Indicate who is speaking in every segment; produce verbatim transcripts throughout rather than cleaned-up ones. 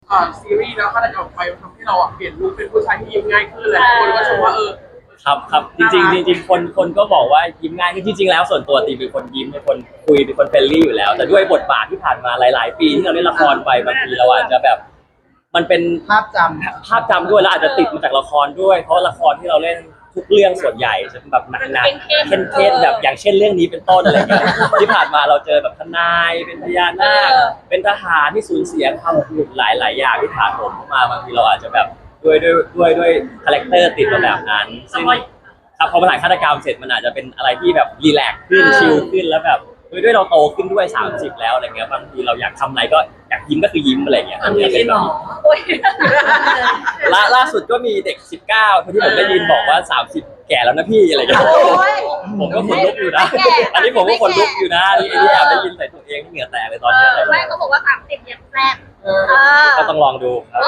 Speaker 1: อ่าซีรีส์แล้วถ้าได้ออกไปทำให้เราอ่ะเปลี่ยนลุคเป็นผู้ชายที่ยิ้มง่ายขึ้นเลยคนก็ชมว่าเออ
Speaker 2: ครับครับจริงๆจริงๆคนคนก็บอกว่ายิ้มง่ายคือจริงๆแล้วส่วนตัวตีเป็นคนยิ้มเป็นคนคุยเป็นคนเฟรนลี่อยู่แล้วแต่ด้วยบทบาทที่ผ่านมาหลายๆปีที่เราเล่นละครไปบางทีเราอาจจะแบบมันเป็น
Speaker 3: ภาพจ
Speaker 2: ภาพจำด้วยแล้วอาจจะติดมาจากละครด้วยเพราะละครที่เราเล่นทุกเรื่องส่วนใหญ่จะเป็นแบบหนักๆเข้มๆแบบอย่างเช่นเรื่องนี้เป็นต้นอะไรเงี้ยที่ผ่านมาเราเจอแบบทนายเป็นพญานาคเป็นทหารที่สูญเสียความหลุดหลายๆอย่างที่ผ่านผมมาบางทีเราอาจจะแบบด้วยด้วยด้วยด้วยคาแรคเตอร์ติดมาแบบนั้นซึ่งครับพอมาถ่ายฆาตกรรมเสร็จมันอาจจะเป็นอะไรที่แบบรีแลกซ์ขึ้นชิลขึ้นแล้วแบบด้วยด้วยเราโตขึ้นด้วยสามสิบแล้วอะไรเงี้ยบางทีเราอยากทำอะไรก็อยากยิ้มก็คือยิ้มอะไรเงี้ยอันนี้เป็นแบบล่าล่าสุดก็มีเด็กสิบเก้าคนที่ผมได้ยินบอกว่าสามสิบแก่แล้วนะพี่อะไรเงี้ยผมก็ขนลุกอยู่นะอันนี้ผมก็ขนลุกอยู่นะนี่นี่แอบได้ยินใส่ตัวเองที่เหงื่อแตกเลยตอนนี้
Speaker 4: แม่เขาบอกว่าสามสิบยังแซ่บ
Speaker 2: ก็ต้องลองดูครับ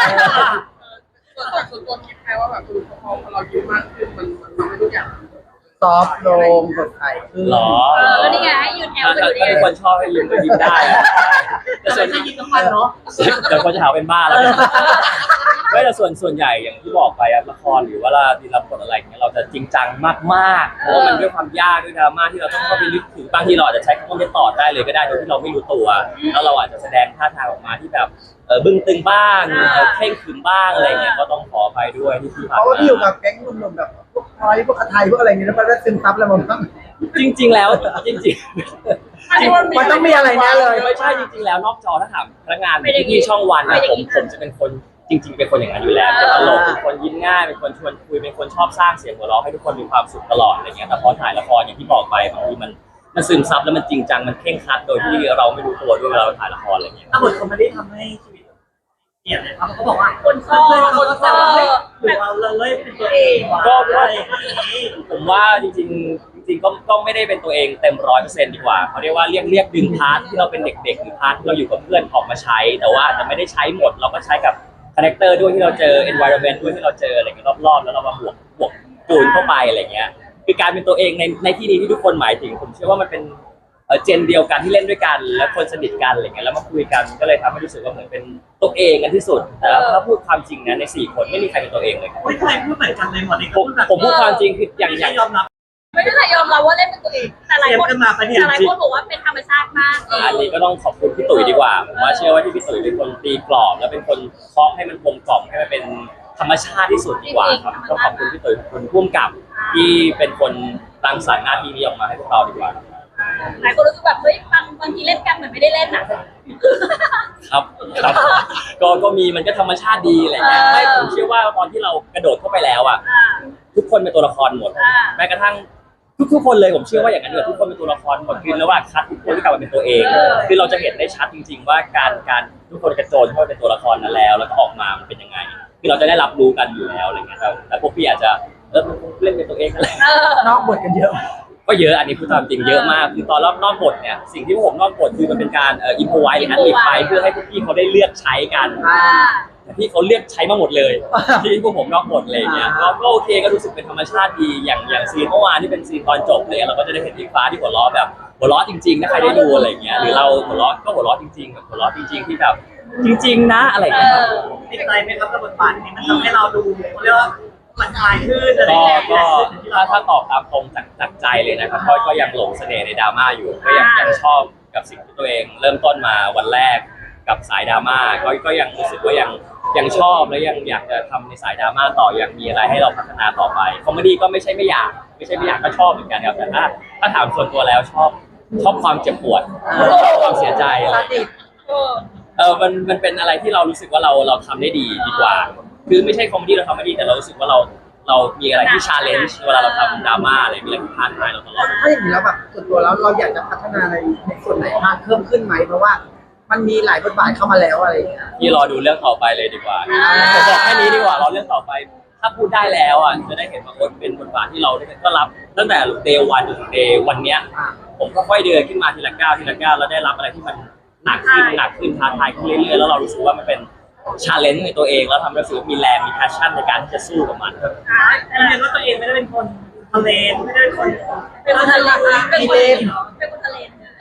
Speaker 1: ส่วนตัวคิดแค่ว่าแบบพอเรายิ้มมากขึ้นมันมันทำให้ทุกอย่าง
Speaker 3: ซอฟต์ลงสดใสขึ้น
Speaker 2: หรอ
Speaker 4: เออนี่ไงให้ยืนแอลกันอยู่ดี
Speaker 2: ถ้าทุกคนชอบให้ยิ้มก็ยิ้มได้แต่ส่วน
Speaker 1: ให้ยิ้มทั้งวันเนาะ
Speaker 2: เดี๋ยวคนจะหาเป็นบ้าแล้วไม่แต่ส่วนส่วนใหญ่อย่างที่บอกไปละครหรือว่าเราที่รับบทอะไรอย่างเงี้ยเราจะจริงจังมากๆเพราะมันด้วยความยากด้วยดราม่าที่เราต้องเข้าไปลึกถึงบางทีเราอาจจะใช้คำว่าไม่ต่อได้เลยก็ได้โดยที่เราไม่รู้ตัวแล้วเราอาจจะแสดงท่าทางออกมาที่แบบเออบึ้งตึงบ้างเข่งขรึมบ้างอะไรเงี้ยก็ต้องขออภัยด้วยที่ที่ผ่านมา
Speaker 3: เพราะว่าพี่อยู่กับแก๊งหนุ่มๆแบบพวกพลอยพวกอาไทยพวกอะไรเงี้ยแล้วมันได้ซึมซับอะไรมาบ้าง
Speaker 2: จริงๆแล้วจริง
Speaker 3: ๆมันต้องมีอะไรแน่เลย
Speaker 2: ไม่ใช่จริงๆแล้วนอกจอถ้าถามพนักงานที่ช่องวันนะผมผมจะเป็นคนจริงๆเป็นคนอย่างนั้นอยู่แล้วเป็นตลกเป็นคนยิ้มง่ายเป็นคนชวนคุยเป็นคนชอบสร้างเสียงหัวเราะให้ทุกคนมีความสุขตลอดอะไรเงี้ยแต่พอถ่ายละครอย่างที่บอกไปบางทีมันมันซึมซับแล้วมันจริงจังมันเคร่งครัดโดยที่เราไม่รู้ตัวด้วยเวลาเราถ่ายละครอะไรเงี้ย
Speaker 1: ถ้าบทคอมเมดี้ทำให้ชีวิตเปลี่ยนเลยครับเขาบอกว่า
Speaker 4: คนชอบคนชอบ
Speaker 1: หรือเราเลยเป็นตัวเอง
Speaker 2: ก็ผมว่าจริงๆจริงๆก็ก็ไม่ได้เป็นตัวเองเต็มร้อยเปอร์เซ็นต์ดีกว่าเขาเรียกว่าเรียกเรียกดึงพาร์ทที่เราเป็นเด็กๆหรือพาร์ทที่เราอยู่กับเพื่อนออกมาใช้แต่ว่าอาจจะไม่ได้ใช้หมดเราก็ใช้กับคาแรคเตอร์ด้วยที่เราเจอ environment ด้วยที่เราเจออะไรเงี้ยรอบๆแล้วเรามาบวกบวกจูนเข้าไปอะไรเงี้ยคือการเป็นตัวเองในในที่นี้ที่ทุกคนหมายถึงผมเชื่อว่ามันเป็นเออเจนเดียวกันที่เล่นด้วยกันและคนสนิทกันอะไรเงี้ยแล้วมาคุยกันก็เลยทำให้รู้สึกว่าเหมือนเป็นตัวเองกันที่สุดแต่ถ้าพูดความจริงนะในสี่คนไม่มีใครเป็นตัวเองเลย
Speaker 1: ไม่ใครพูดเหมือนกันเลยหมดเลย
Speaker 2: ผมผมพูดความจริงคืออย่างอย่าง
Speaker 1: ยอมรับ
Speaker 4: ไม่ได้ยอมรับว่าเล่นเป็นตัวเองแต่หลายคนแต่หลายคนบอกว่าเป็นธรรมชาติมาก
Speaker 2: อันนี้ก็ต้องขอบคุณพี่ตุ๋ยดีกว่าผมว่าเชื่อว่าที่พี่ตุ๋ยเป็นคนตีกรอบและเป็นคนเคาะให้มันกลมกล่อมให้มันเป็นธรรมชาติที่สุดดีกว่าครับก็ขอบคุณพี่ตุ๋ยขอบคุณผู้กำกับที่เป็นคนรังสรรค์หน้าที่นี้ออกมาให้พวกเราดีกว่า
Speaker 4: หลายคนรู้สึกแบบเฮ้ยบางบางทีเล่นกันเหมือนไม่ได้เล่นอ่ะ
Speaker 2: ครับครับก็ก็มีมันก็ธรรมชาติดีอะไรเงี้ยไม่ผมเชื่อว่าตอนที่เรากระโดดเข้าไปแล้วอ่ะทุกคนเป็นตัวละครหมดแม้กระทั่งทุกๆคนเลยผมเชื่อว่าอย่างนั้นเลยทุกคนเป็นตัวละครหมดคือระหว่างคัดทุกคนที่กลับมาเป็นตัวเองคือเราจะเห็นได้ชัดจริงๆว่าการการทุกคนกระโจนเข้าไปเป็นตัวละครนั้นแล้วแล้วก็ออกมามันเป็นยังไงคือเราจะได้รับรู้กันอยู่แล้วอะไรเงี้ยแต่พวกพี่อาจจะเออเล่นเป็นตัวเองอะไร
Speaker 3: นอกบทกันเยอะ
Speaker 2: ก็เยอะอันนี้พูดตามจริงเยอะมากคือตอนรอบนอกบทเนี่ยสิ่งที่ผมนอกบทคือมันเป็นการเอ่ออินโฟไวท์หรืออัดลิปไปเพื่อให้พวกพี่เขาได้เลือกใช้กันแต่พี่เขาเลือกใช้มาหมดเลยที่พวกผมนอกบทเลยเนี่ยก็โอเคก็รู้สึกเป็นธรรมชาติดีอย่างอย่างซีนเมื่อวานที่เป็นซีนตอนจบเลยเราก็จะได้เห็นพี่ฟ้าที่หัวเราะแบบหัวเราะจริงๆถ้าใครได้ดูอะไรเงี้ยหรือเราหัวเราะก็หัวเราะจริงๆแบบหัวเราะจริงๆที่แบบจริงๆนะอะไรเงี้ย
Speaker 1: ติดใจไหมครับกับบทบาทนี้มันทำให้เราดูเรียกว่ามันคลายขึ้นอะไร
Speaker 2: ก็
Speaker 1: อย่างเงี้ย
Speaker 2: ก็ถ้าถ้าตอบตามตรงจากจากใจเลยนะครับก็ก็ยังหลงเสน่ห์ในดราม่าอยู่ก็ยังยังชอบกับสิ่งที่ตัวเองเริ่มต้นมาวันแรกกับสายดราม่าก็ก็ยังรู้สึกว่ายังยังชอบและยังอยากจะทำในสายดราม่าต่อยังมีอะไรให้เราพัฒนาต่อไปคอมเมดี้ก็ไม่ใช่ไม่อยากไม่ใช่ไม่อยากก็ชอบเหมือนกันครับแต่ถ้าถ้าถามส่วนตัวแล้วชอบชอบความเจ็บปวดชอบความเสียใจอะไรเออมันมันเป็นอะไรที่เรารู้สึกว่าเราเราทำได้ดีดีกว่าคือไม่ใช่คอมเมดี้เราทำไม่ดีแต่เรารู้สึกว่าเราเรามีอะไรที่ชาเลนจ์เวลาเราทำดราม่าอะไรมีอะไรที่ท้าทายเราตลอด
Speaker 3: ถ้าอย่างนี้แล้วแบบส่วนตัวแล้วเราอยากจะพัฒนาในในส่วนไหนมากเพิ่มขึ้นไหมเพราะว่ามันมีหลายบทบาทเข้ามาแล้วอะไรอย่างเงี้ย
Speaker 2: ที่รอดูเรื่องต่อไปเลยดีกว่าผมบอกแค่นี้ดีกว่ารอเรื่องต่อไปถ้าพูดได้แล้วอ่ะจะได้เห็นว่าคนเป็นบทบาทที่เราก็รับตั้งแต่เดย์วันจนถึงเดย์วันเนี้ยผมก็ค่อยเดินขึ้นมาทีละก้าวทีละก้าวแล้วได้รับอะไรที่มันหนักขึ้นหนักขึ้นท้าทายขึ้นเรื่อยๆแล้วเรารู้สึกว่ามันเป็นชาเลนจ์ในตัวเองแล้วทำให้รู้สึกมีแรงมีแพชชั่นในการที่จะสู้กับมัน
Speaker 1: แต่เห็นว่าตัวเองไม่ได้เป็นคนทะเลไม่ได้เป็นคน
Speaker 4: เป็นคนทะเลเป็นคนเป็นคนทะเล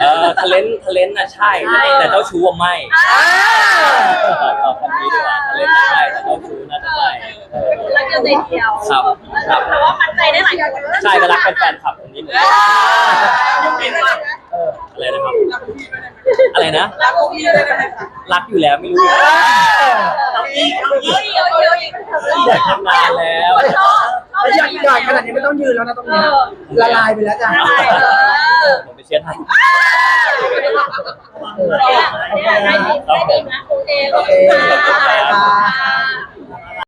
Speaker 2: เออทะเลนทะเลนน่ะใช่แต่เจ้าชู้อะไม่เอาคำนี้ดีกว่าทะเลนน่ะใช่แต่เจ้าชู้น่าจะไม่
Speaker 4: รักเดียวใจเดียว
Speaker 2: ครับครับ
Speaker 4: แต่ว่ามันใจได้หลายคน
Speaker 2: ใช่ก็รักเป็นแฟนคลับคนนี้เหมือนกัน
Speaker 1: ยังมีรัก
Speaker 2: อะไรนะครับ
Speaker 1: รักพี่ไม่ได้ไหม
Speaker 2: อะไรนะ
Speaker 1: รักพี่ไม่ได้ไหม
Speaker 2: รักอยู่แล้วไม่รู้
Speaker 3: เอาอีกเอาอี
Speaker 4: เย
Speaker 3: ก
Speaker 4: อะเยอะเยอะอีก
Speaker 2: อยากทำงานแล้ว
Speaker 4: ชอบชอบ
Speaker 3: แล้วอยากใหญ่ขนาดนี้ไม่ต้องยืนแล้วนะตรงนี้ละลายไปแล้วจ้ะ
Speaker 4: ใช่เออ
Speaker 2: ผมไปเชียร์ไทย
Speaker 4: เนี่ยเนี่ยได้ดีได้ดีนะโอเคขอบคุณค่ะ